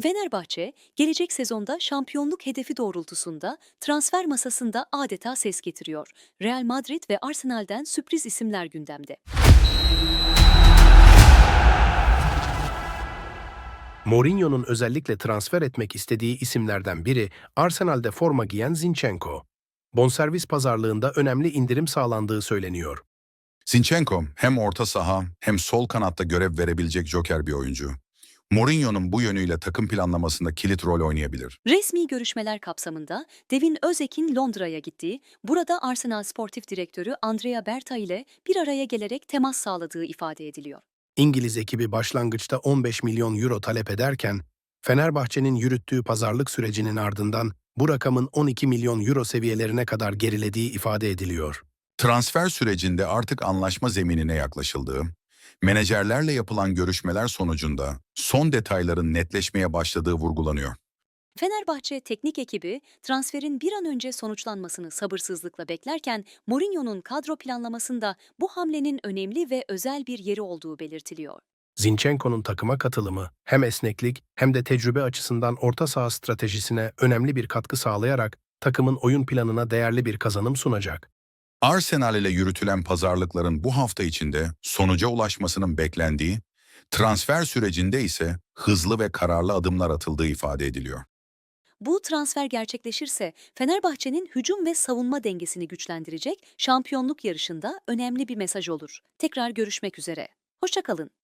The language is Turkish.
Fenerbahçe, gelecek sezonda şampiyonluk hedefi doğrultusunda transfer masasında adeta ses getiriyor. Real Madrid ve Arsenal'den sürpriz isimler gündemde. Mourinho'nun özellikle transfer etmek istediği isimlerden biri Arsenal'de forma giyen Zinchenko. Bonservis pazarlığında önemli indirim sağlandığı söyleniyor. Zinchenko hem orta saha hem sol kanatta görev verebilecek joker bir oyuncu. Mourinho'nun bu yönüyle takım planlamasında kilit rol oynayabilir. Resmi görüşmeler kapsamında Devin Özek'in Londra'ya gittiği, burada Arsenal Sportif Direktörü Andrea Berta ile bir araya gelerek temas sağladığı ifade ediliyor. İngiliz ekibi başlangıçta 15 milyon euro talep ederken, Fenerbahçe'nin yürüttüğü pazarlık sürecinin ardından bu rakamın 12 milyon euro seviyelerine kadar gerilediği ifade ediliyor. Transfer sürecinde artık anlaşma zeminine yaklaşıldığı, menajerlerle yapılan görüşmeler sonucunda son detayların netleşmeye başladığı vurgulanıyor. Fenerbahçe teknik ekibi transferin bir an önce sonuçlanmasını sabırsızlıkla beklerken Mourinho'nun kadro planlamasında bu hamlenin önemli ve özel bir yeri olduğu belirtiliyor. Zinchenko'nun takıma katılımı hem esneklik hem de tecrübe açısından orta saha stratejisine önemli bir katkı sağlayarak takımın oyun planına değerli bir kazanım sunacak. Arsenal ile yürütülen pazarlıkların bu hafta içinde sonuca ulaşmasının beklendiği, transfer sürecinde ise hızlı ve kararlı adımlar atıldığı ifade ediliyor. Bu transfer gerçekleşirse Fenerbahçe'nin hücum ve savunma dengesini güçlendirecek, şampiyonluk yarışında önemli bir mesaj olur. Tekrar görüşmek üzere. Hoşça kalın.